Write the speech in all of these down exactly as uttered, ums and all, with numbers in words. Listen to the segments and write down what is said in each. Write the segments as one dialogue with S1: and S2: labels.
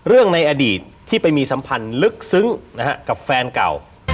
S1: เรื่องในอดีตที่ไปมีสัมพันธ์ลึกซึ้งนะฮะกับแฟนเก่า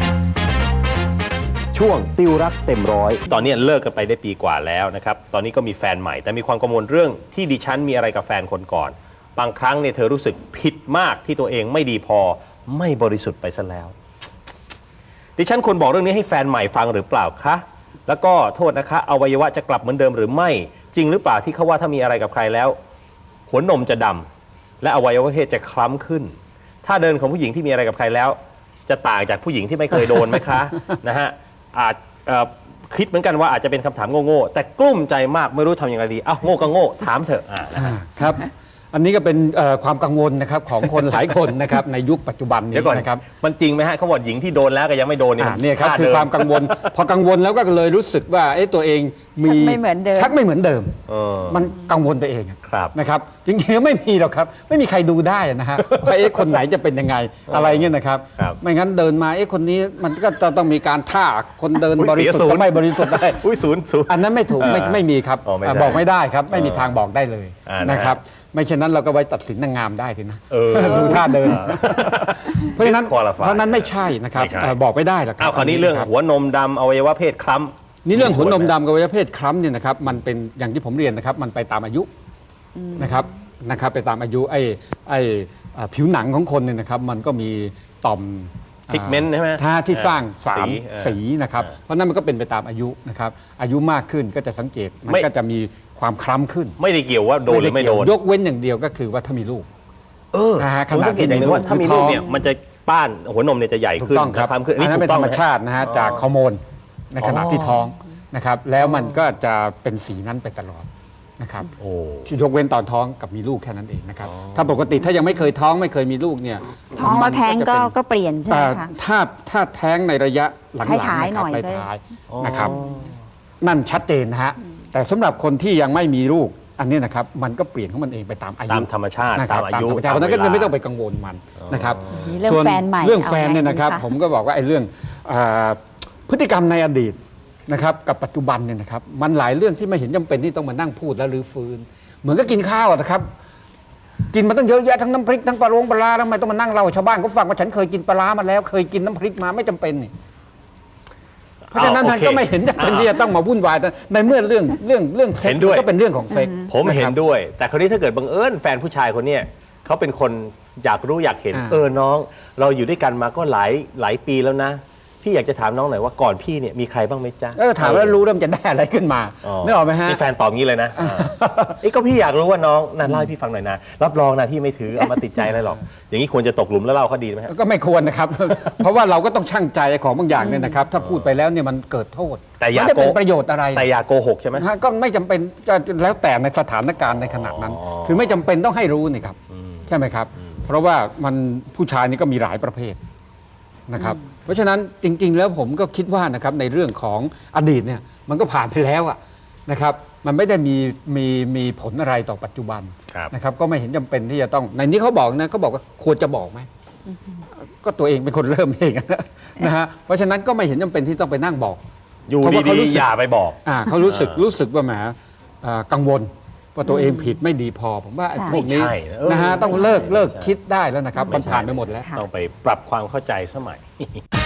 S2: ช่วงติวรักเต็มร้อย
S1: ตอนนี้เลิกกันไปได้ปีกว่าแล้วนะครับตอนนี้ก็มีแฟนใหม่แต่มีความกังวลเรื่องที่ดิฉันมีอะไรกับแฟนคนก่อนบางครั้งเนี่ยเธอรู้สึกผิดมากที่ตัวเองไม่ดีพอไม่บริสุทธิ์ไปซะแล้วดิฉันควรบอกเรื่องนี้ให้แฟนใหม่ฟังหรือเปล่าคะแล้วก็โทษนะคะอวัยวะจะกลับเหมือนเดิมหรือไม่จริงหรือเปล่าที่เขาว่าถ้ามีอะไรกับใครแล้วหัวนมจะดำและอวัยวะเพศจะคล้ำขึ้นถ้าเดินของผู้หญิงที่มีอะไรกับใครแล้วจะต่างจากผู้หญิงที่ไม่เคยโดนไหมคะนะฮะอาจคิดเหมือนกันว่าอาจจะเป็นคำถามโง่ๆแต่กลุ้มใจมากไม่รู้ทำยังไงดีอ้าวโง่ก็โง่ถามเถอะอ่า
S3: ครับอันนี้ก็เป็นความกังวลนะครับของคนหลายคนนะครับในยุคปัจจุบันนี้นะครับ
S1: มันจริงไหมฮะเขาบอกหญิงที่โดนแล้วก็ยังไม่โดนเนี่ย
S3: นี่ครับคือความกังวลพอกังวลแล้วก็เลยรู้สึกว่าตัวเองมี
S4: ไม่เหมือนเดิม
S3: ชักไม่เหมือนเดิมมันกังวลไปเองนะครับจริงๆแล้วไม่มีหรอกครับไม่มีใครดูได้นะฮะว่าเอ๊ะคนไหนจะเป็นยังไงอะไรเงี้ยนะครับไม่งั้นเดินมาเอ๊ะคนนี้มันก็ต้องมีการท่าคนเดินบริสุทธิ์ไม่บริสุทธิ์ได้อันนั้นไม่ถูกไม่ไม่มีครับบอกไม่ได้ครับไม่มีทางบอกได้เลยนะครับไม่เช่นนั้นเราก็ไว้ตัดสินนางงามได้ทีนะดูท่าเดินเพราะฉะนั้นเพราะนั้นไม่ใช่นะครับบอกไม่ได้หรอกครับ
S1: คราวนี้เรื่องหัวนมดำอวัยวะเพศคล้ำ
S3: นี่เรื่องหัวนมดำกับอวัยวะเพศคล้ำเนี่ยนะครับมันเป็นอย่างที่ผมเรียนนะครับมันไปตามอายุนะครับนะครับไปตามอายุไอ้ไอ้ผิวหนังของคนเนี่ยนะครับมันก็มีต่อม
S1: พิกเมนต์ใช่ไหม
S3: ท่าที่สร้างสารสีนะครับเพราะนั้นมันก็เป็นไปตามอายุนะครับอายุมากขึ้นก็จะสังเกตมันก็จะมีความคล้ำขึ้น
S1: ไม่ได้เกี่ยวว่าโดนหรือไม่โดน
S3: ยกเว้นอย่างเดียวก็คือว่าถ้ามีลูก
S1: เออผมสังเกตอย่างนึงว่าถ้ามีลูกเนี่ยมันจะป้านหัวนมเนี่ยจะใหญ่ขึ้น
S3: คล้ำขึ้นอันนี้เป็นธรรมชาตินะฮะจากฮอร์โมนในขณะที่ท้องนะครับแล้วมันก็จะเป็นสีนั้นไปตลอดนะครับยกเว้นตอนท้องกับมีลูกแค่นั้นเองนะครับถ้าปกติถ้ายังไม่เคยท้องไม่เคยมีลูกเนี่ย
S4: ท้องแล้วแท้งก็ก็เปลี่ยนใช่ไหมคะ
S3: ถ้าถ้าแท้งในระยะหลังๆ
S4: ท้ายหน่อย
S3: ท้ายนะครับนั่นชัดเจนนะฮะแต่สำหรับคนที่ยังไม่มีลูกอันนี้นะครับมันก็เปลี่ยนของมันเองไปตามอายุ
S1: ตามธรรมชาติตามอายุ
S3: เพราะนั้นก็ไม่ต้องไปกังวลมันนะครับ
S4: ส่วน
S3: เรื่องแฟนเนี่ยนะครับผมก็บอกว่าไอ้เรื่องพฤติกรรมในอดีตนะครับกับปัจจุบันเนี่ยนะครับมันหลายเรื่องที่ไม่เห็นจำเป็นที่ต้องมานั่งพูดและรื้อฟื้นเหมือนก็กินข้าวนะครับกินมาตั้งเยอะแยะทั้งน้ำพริกทั้งปลาโรงปลาแล้วทำไมต้องมานั่งเล่าชาวบ้านเขาฟังว่าฉันเคยกินปลามาแล้วเคยกินน้ำพริกมาไม่จำเป็นนี่เพราะฉะนั้นมันก็ไม่เห็นจำเป็นที่จะต้องมาวุ่นวายในเมื่อเรื่องเรื่องเรื่องเซ็กก็เป็นเรื่องของเซ็ก
S1: ผมเห็นด้วยแต่คราวนี้ถ้าเกิดบังเอิญแฟนผู้ชายคนนี้เขาเป็นคนอยากรู้อยากเห็นเออน้องเราอยู่ด้วยกันมาก็หลายหลายปีแล้วนะพี่อยากจะถามน้องหน่อยว่าก่อนพี่เนี่ยมีใครบ้างไหมจ๊ะ
S3: เออถามแล้วรู้แล้วมันจะได้อะไรขึ้นมาไม่ออกไหมฮะ
S1: นี่แฟนตอบงี้เลยนะไอ้ก็พี่อยากรู้ว่าน้องนั่นเล่าให้พี่ฟังหน่อยนะรับรองนะพี่ไม่ถือเอามาติดใจอะไรหรอกอย่างนี้ควรจะตกหลุมแล้วเล่าเขาดีไหม
S3: ก็ไม่ควรนะครับเพราะว่าเราก็ต้องชั่งใจของบางอย่างเนี่ยนะครับถ้าพูดไปแล้วเนี่ยมันเกิดโทษ
S1: แต่อย่า
S3: ไม่ได้เป็นประโยชน์อะไร
S1: แต่อย่าโกหกใช่ไหม
S3: ก็ไม่จำเป็นแล้วแต่ในสถานการณ์ในขณะนั้นคือไม่จำเป็นต้องให้รู้นี่ครับใช่ไหมครับเพราะว่ามันผู้ชายนี่ก็มีหลายประเภทนะครับเพราะฉะนั้นจริงๆแล้วผมก็คิดว่านะครับในเรื่องของอดีตเนี่ยมันก็ผ่านไปแล้วอะนะครับมันไม่ได้มีมีมีผลอะไรต่อปัจจุบันนะครับก็ไม่เห็นจำเป็นที่จะต้องในนี้เขาบอกนะเขาบอกว่าควรจะบอกไหมก็ตัวเองเป็นคนเริ่มเองนะฮะเพราะฉะนั้นก็ไม่เห็นจำเป็นที่ต้องไปนั่งบอก
S1: อยู่ดีๆอย่าไปบอก
S3: อ่าเขารู้สึกรู้สึกว่าแหมกังวลว่าตัวเองผิดไม่ดีพอผมว่าพวกนี้นะฮะต้องเลิกเลิกคิดได้แล้วนะครับมันผ่านไปหมดแล้ว
S1: ต้องไปปรับความเข้าใจสมัย